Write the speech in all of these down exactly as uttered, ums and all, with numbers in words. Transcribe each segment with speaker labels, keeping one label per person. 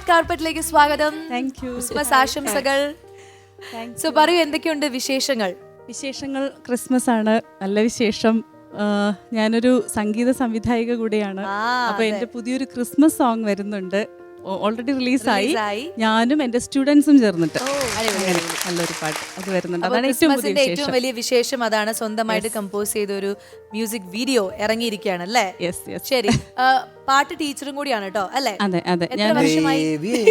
Speaker 1: Red കാർപ്പറ്റിലേക്ക് സ്വാഗതം.
Speaker 2: Thank you.
Speaker 1: Christmas ആശംസകൾ. സോ പറയൂ, എന്തൊക്കെയുണ്ട് വിശേഷങ്ങൾ?
Speaker 2: വിശേഷങ്ങൾ ക്രിസ്മസ് ആണ്, നല്ല വിശേഷം. ഞാനൊരു സംഗീത സംവിധായിക കൂടിയാണ്. അപ്പൊ എന്റെ പുതിയൊരു ക്രിസ്മസ് സോങ് വരുന്നുണ്ട്, ഓൾറെഡി റിലീസായി. ഞാനും എന്റെ സ്റ്റുഡൻസും ചേർന്നിട്ട് നല്ലൊരു പാട്ട് അത് വരുന്നുണ്ട്. അതാണ്
Speaker 1: ഏറ്റവും വലിയ വിശേഷം. അതാണ് സ്വന്തമായിട്ട് കമ്പോസ് ചെയ്ത ഒരു മ്യൂസിക് വീഡിയോ ഇറങ്ങിയിരിക്കുകയാണ് അല്ലേ? ശരി, പാട്ട് ടീച്ചറും കൂടിയാണ് കേട്ടോ അല്ലേ?
Speaker 2: അതെ അതെ.
Speaker 1: എത്ര വർഷമായി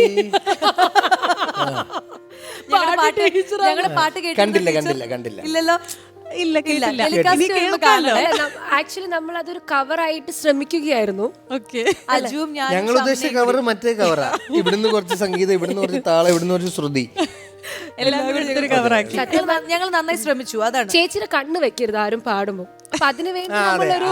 Speaker 1: ഞങ്ങളുടെ പാട്ട്
Speaker 3: കണ്ടില്ല കണ്ടില്ല കണ്ടില്ല
Speaker 1: ഇല്ലല്ലോ?
Speaker 2: ഇല്ല, കേട്ടില്ല.
Speaker 4: ആക്ച്വലി നമ്മൾ അതൊരു കവറായിട്ട് ശ്രമിക്കുകയായിരുന്നു.
Speaker 3: ഞങ്ങൾ ഉദ്ദേശിച്ച കവർ മറ്റേ കവറാ. ഇവിടുന്ന് കുറച്ച് സംഗീതം, ഇവിടുന്ന് കുറച്ച് താളം, ഇവിടുന്ന് കുറച്ച് ശ്രുതി,
Speaker 1: ഞങ്ങൾ നന്നായി ശ്രമിച്ചു. അതാണ്.
Speaker 4: ചേച്ചിയുടെ കണ്ണ് വെക്കരുത് ആരും പാടുമ്പോ. അപ്പൊ അതിനു വേണ്ടി നമ്മളൊരു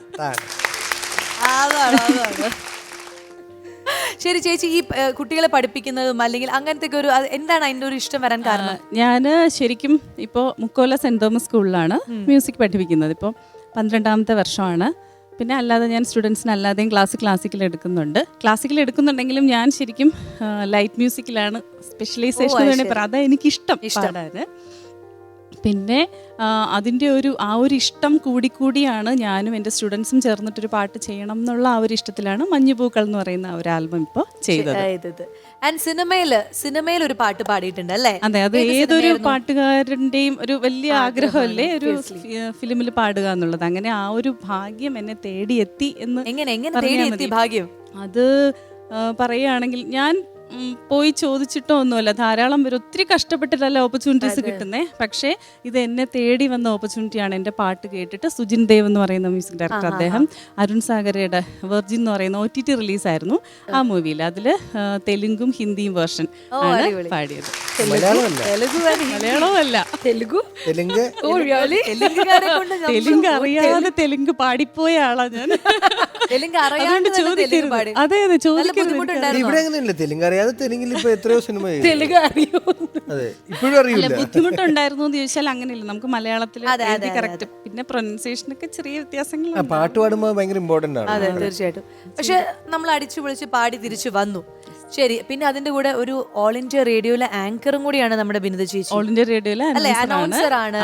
Speaker 1: ശരി ചേച്ചി, ഈ കുട്ടികളെ പഠിപ്പിക്കുന്നതും അല്ലെങ്കിൽ അങ്ങനത്തെ ഒരു എന്താണ് അതിന്റെ ഒരു ഇഷ്ടം വരാൻ കാരണം?
Speaker 2: ഞാൻ ശരിക്കും ഇപ്പോൾ മുക്കോല സെന്റ് തോമസ് സ്കൂളിലാണ് മ്യൂസിക് പഠിപ്പിക്കുന്നത്. ഇപ്പോൾ പന്ത്രണ്ടാമത്തെ വർഷമാണ്. പിന്നെ അല്ലാതെ ഞാൻ സ്റ്റുഡൻസിന് അല്ലാതെയും ക്ലാസ് ക്ലാസിക്കൽ എടുക്കുന്നുണ്ട്. ക്ലാസിക്കൽ എടുക്കുന്നുണ്ടെങ്കിലും ഞാൻ ശരിക്കും ലൈറ്റ് മ്യൂസിക്കിലാണ് സ്പെഷ്യലൈസേഷൻ വേണമെങ്കിൽ പറയാം. അതാ എനിക്കിഷ്ടം പാടാൻ. പിന്നെ അതിൻ്റെ ഒരു ആ ഒരു ഇഷ്ടം കൂടിക്കൂടിയാണ് ഞാനും എൻ്റെ സ്റ്റുഡൻസും ചേർന്നിട്ടൊരു പാട്ട് ചെയ്യണം എന്നുള്ള ആ ഒരു ഇഷ്ടത്തിലാണ് മഞ്ഞുപൂക്കൾ എന്ന് പറയുന്ന ഒരു ആൽബം ഇപ്പോൾ ചെയ്തത്.
Speaker 1: സിനിമയില് സിനിമയിൽ ഒരു പാട്ട് പാടിയിട്ടുണ്ട് അല്ലേ?
Speaker 2: അതെ, അത് ഏതൊരു പാട്ടുകാരൻ്റെയും ഒരു വലിയ ആഗ്രഹമല്ലേ ഒരു ഫിലിമിൽ പാടുക എന്നുള്ളത്. അങ്ങനെ ആ ഒരു ഭാഗ്യം എന്നെ തേടിയെത്തി എന്ന്
Speaker 1: എങ്ങനെ എങ്ങനെ തേടിയെത്തി ഭാഗ്യം?
Speaker 2: അത് പറയുകയാണെങ്കിൽ ഞാൻ പോയി ചോദിച്ചിട്ടോ ഒന്നുമല്ല, ധാരാളം പേര് ഒത്തിരി കഷ്ടപ്പെട്ടിട്ടല്ല ഓപ്പർച്യൂണിറ്റീസ് കിട്ടുന്നേ. പക്ഷേ ഇത് എന്നെ തേടി വന്ന ഓപ്പർച്യൂണിറ്റിയാണ്. എൻ്റെ പാട്ട് കേട്ടിട്ട് സുജിൻ ദേവ് എന്ന് പറയുന്ന മ്യൂസിക് ഡയറക്ടർ, അദ്ദേഹം അരുൺ സാഗരയുടെ വെർജിൻ എന്ന് പറയുന്ന ഒ ടി ടി റിലീസായിരുന്നു ആ മൂവിയിൽ. അതിൽ തെലുങ്കും ഹിന്ദിയും വേർഷൻ ആണ് പാടിയത്. മലയാളമല്ല, തെലുഗു. തെലുങ്ക് അറിയാതെ തെലുങ്ക് പാടിപ്പോയ ആളാ ഞാൻ. അതുകൊണ്ട് ചോദിക്കരുത്. അതെ അതെ, ചോദിക്കരുത്.
Speaker 3: ഇവിടെ അങ്ങനെയല്ല, തെലുങ്ക് അറിയാതെ തെലുങ്കിൽ ഇപ്പൊ എത്രയോ സിനിമ
Speaker 4: തെലുങ്ക് അറിയോ?
Speaker 3: അതെ, ഇപ്പോഴും അറിയില്ല.
Speaker 2: ബുദ്ധിമുട്ടുണ്ടായിരുന്നു എന്ന് ചോദിച്ചാൽ അങ്ങനെയല്ല, നമുക്ക് മലയാളത്തിൽ കറക്റ്റ്. പിന്നെ പ്രൊനൗൺസിയേഷൻ ഒക്കെ ചെറിയ വ്യത്യാസങ്ങൾ.
Speaker 3: പാട്ട് പാടുമ്പോൾ ഭയങ്കര ഇമ്പോർട്ടന്റ് ആണ്.
Speaker 1: അതെ, തീർച്ചയായിട്ടും. പക്ഷെ നമ്മൾ അടിച്ചു പൊളിച്ച് പാടി തിരിച്ചു വന്നു. ശരി, പിന്നെ അതിന്റെ കൂടെ ഒരു ഓൾ ഇന്ത്യ റേഡിയോയിലെ ആങ്കറും കൂടിയാണ് നമ്മുടെ ബിനിത ചേച്ചി.
Speaker 2: ഓൾ ഇന്ത്യ റേഡിയോയിലെ
Speaker 1: അനൗൺസർ ആണ്.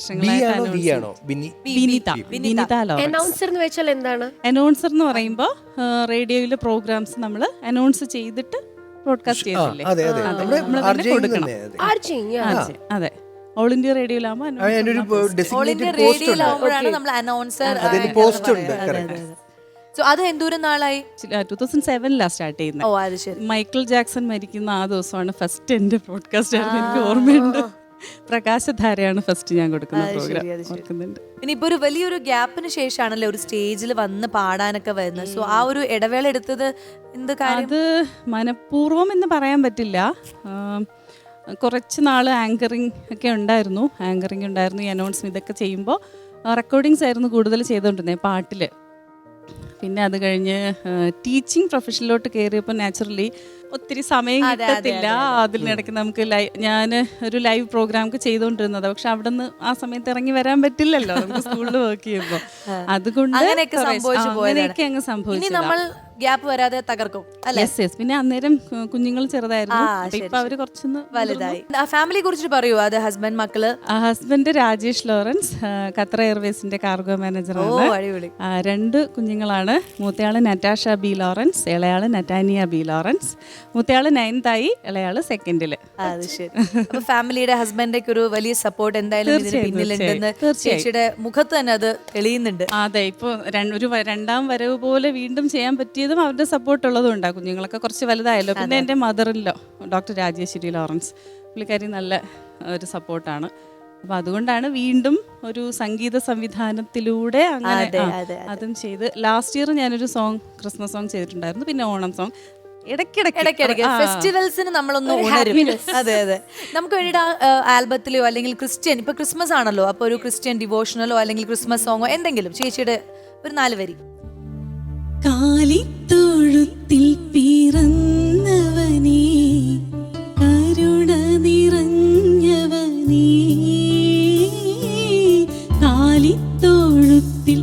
Speaker 4: അനൗൺസർ എന്ന് വെച്ചാൽ എന്താണ്?
Speaker 2: അനൗൺസർ എന്ന് പറയുമ്പോൾ റേഡിയോയിലെ പ്രോഗ്രാംസ് നമ്മൾ അനൗൺസ് ചെയ്തിട്ട് ബ്രോഡ്കാസ്റ്റ് ചെയ്തില്ലേ, കൊടുക്കണം. അതെ, ഓൾ ഇന്ത്യ
Speaker 1: റേഡിയോയിലാവുമ്പോഴാണ് നമ്മൾ അനൗൺസർ. അത് എന്തോരം നാളായി?
Speaker 2: ടൂ തൗസൻഡ് സെവനിലാണ് സ്റ്റാർട്ട് ചെയ്യുന്നത്. മൈക്കിൾ ജാക്സൺ മരിക്കുന്ന ആ ദിവസമാണ് ഫസ്റ്റ് എന്റെ ബ്രോഡ്കാസ്റ്റ് ആയിരുന്നു. എനിക്ക് ഓർമ്മയുണ്ട്. പ്രകാശധാരയാണ് ഫസ്റ്റ് ഞാൻ കൊടുക്കുന്ന പ്രോഗ്രാം.
Speaker 1: പിന്നെ ഇപ്പൊ ഒരു വലിയൊരു ഗ്യാപ്പിന് ശേഷമാണല്ലോ ഒരു സ്റ്റേജിൽ വന്ന് പാടാനൊക്കെ വരുന്നത്. സോ ആ ഒരു ഇടവേള എടുത്തത് എന്ത് കാര്യം?
Speaker 2: അത് മനഃപൂർവ്വം എന്ന് പറയാൻ പറ്റില്ല. കുറച്ച് നാൾ ആങ്കറിങ് ഒക്കെ ഉണ്ടായിരുന്നു. ആങ്കറിങ് ഉണ്ടായിരുന്നു, ഈ അനൗൺസ്മെന്റ് ഇതൊക്കെ ചെയ്യുമ്പോൾ റെക്കോർഡിങ്സ് ആയിരുന്നു കൂടുതൽ ചെയ്തുകൊണ്ടിരുന്നത് പാട്ടില്. പിന്നെ അത് കഴിഞ്ഞ് ടീച്ചിങ് പ്രൊഫഷനിലോട്ട് കയറിയപ്പോൾ നാച്ചുറലി ഒത്തിരി സമയം കിട്ടത്തില്ല. അതിനിടയ്ക്ക് നമുക്ക് ലൈവ് ഞാൻ ഒരു ലൈവ് പ്രോഗ്രാം ഒക്കെ ചെയ്തുകൊണ്ടിരുന്നത്. പക്ഷെ അവിടെ നിന്ന് ആ സമയത്ത് ഇറങ്ങി വരാൻ പറ്റില്ലല്ലോ നമുക്ക് സ്കൂളിൽ വർക്ക് ചെയ്യുമ്പോൾ. അതുകൊണ്ട് അങ്ങനെയൊക്കെ അങ്ങ് സംഭവിച്ചു.
Speaker 1: ഗ്യാപ്പ് വരാതെ തകർക്കും.
Speaker 2: പിന്നെ അന്നേരം കുഞ്ഞുങ്ങൾ ചെറുതായിരുന്നു. ഇപ്പൊ അവര് കുറച്ചൊന്ന്
Speaker 1: വലുതായി. ഫാമിലിയെ കുറിച്ച് പറയൂ. അത് ഹസ്ബൻഡ്, മക്കള്?
Speaker 2: ഹസ്ബൻഡ് രാജേഷ് ലോറൻസ്, ഖത്തർ എയർവേസിന്റെ കാർഗോ മാനേജറാണ്. രണ്ട് കുഞ്ഞുങ്ങളാണ്. മൂത്തയാള് നറ്റാഷ ബി ലോറൻസ്, ഇളയാള് നറ്റാനിയ ബി ലോറൻസ്. മൂത്തയാള് നയൻതായി, ഇളയാള് സെക്കൻഡില്.
Speaker 1: അത് ശരി. അപ്പൊ ഫാമിലിയുടെ ഹസ്ബൻഡ് ഒരു വലിയ സപ്പോർട്ട് എന്തായാലും ഇതിന് പിന്നിലുണ്ടെന്ന് ചേച്ചിയുടെ മുഖത്ത് തന്നെ അത് തെളിയുന്നുണ്ട്.
Speaker 2: അതെ, ഇപ്പൊ ഒരു രണ്ടാം വരവ് പോലെ വീണ്ടും ചെയ്യാൻ പറ്റിയ അവരുടെ സപ്പോർട്ട് ഉള്ളതും ഉണ്ടാകും. കുഞ്ഞുങ്ങളൊക്കെ കുറച്ച് വലുതായല്ലോ. പിന്നെ എൻ്റെ മദറിലോ ഡോക്ടർ രാജേശ്വരി ലോറൻസ്, പുള്ളിക്കാരി നല്ല ഒരു സപ്പോർട്ടാണ്. അപ്പൊ അതുകൊണ്ടാണ് വീണ്ടും ഒരു സംഗീത സംവിധാനത്തിലൂടെ അങ്ങനെ അതും ചെയ്ത്. ലാസ്റ്റ് ഇയർ ഞാനൊരു സോങ്, ക്രിസ്മസ് സോങ് ചെയ്തിട്ടുണ്ടായിരുന്നു. പിന്നെ ഓണം സോങ്
Speaker 1: ഇടയ്ക്കിടയ്ക്ക് ഫെസ്റ്റിവൽസിന് നമ്മളൊന്ന് ഉണരും. അതെ അതെ, നമുക്ക് വേണ്ടിയിട്ട് ആൽബത്തിലോ അല്ലെങ്കിൽ ക്രിസ്ത്യൻ, ഇപ്പൊ ക്രിസ്മസ് ആണല്ലോ, അപ്പൊ ഒരു ക്രിസ്ത്യൻ ഡിവോഷണലോ അല്ലെങ്കിൽ ക്രിസ്മസ് സോങ്ങോ എന്തെങ്കിലും ചേച്ചിയുടെ ഒരു നാല് വരി.
Speaker 5: കാലിത്തൊഴുത്തിൽ പിറന്നവനേ, കരുണ നിറഞ്ഞവനേ, കാലിത്തൊഴുത്തിൽ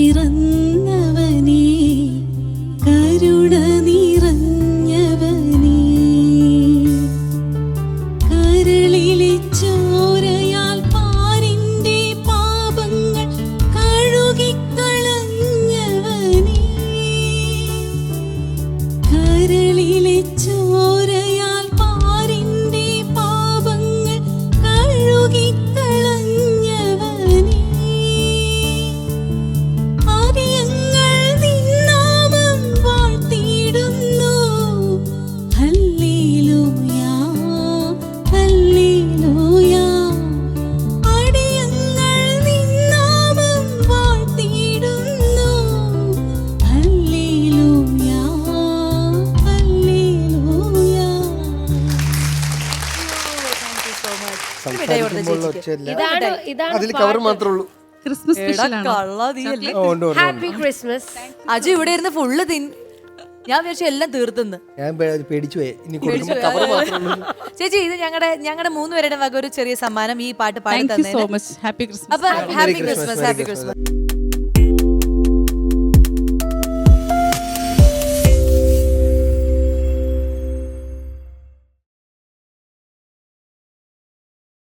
Speaker 5: പിറന്നവനേ, കരുണ നിറഞ്ഞവനേ, കരളിലെ ചോരയാൽ പാരിന്റെ പാപങ്ങൾ കഴുകിക്കളഞ്ഞവനേ, ആദിയങ്ങൾ നിന്നാമം വാഴ്ത്തിയിടുന്നു. Hallelujah, hallelujah. ആദിയങ്ങൾ നിന്നാമം വാഴ്ത്തിയിടുന്നു. Hallelujah, hallelujah.
Speaker 3: സംസാരിക്കുമ്പോൾ ഒച്ചയില്ല.
Speaker 4: ഇതാണ് ഇതാണ്
Speaker 3: അതിൽ കവർ മാത്രമേ ഉള്ളൂ.
Speaker 2: ക്രിസ്മസ് സ്പെഷ്യലാണ്.
Speaker 3: ഓ, ഉണ്ട്, ഉണ്ട്,
Speaker 4: ഹാപ്പി ക്രിസ്മസ്.
Speaker 1: അജു ഇവിടെ ഇരുന്ന് ഫുള്ള് തിൻ ഞാൻ വിചാരിച്ചു എല്ലാം തീർത്തുന്ന്.
Speaker 3: ഞാൻ പേ- പേടിച്ചു പോയി. ഇനി കൊടുക്കുമ്പോൾ കവർ മാത്രമേ ഉള്ളൂ.
Speaker 1: ചേച്ചി ഇത് ഞങ്ങളുടെ ഞങ്ങളുടെ മൂന്ന് പേരുടെ വക ഒരു ചെറിയ സമ്മാനം ഈ പാട്ട് പാടി
Speaker 2: താങ്ക് യു
Speaker 1: തന്നെ.
Speaker 2: So much. Happy Christmas.
Speaker 1: അപ്പൊ ഹാപ്പി ക്രിസ്മസ്, ഹാപ്പി ക്രിസ്മസ്.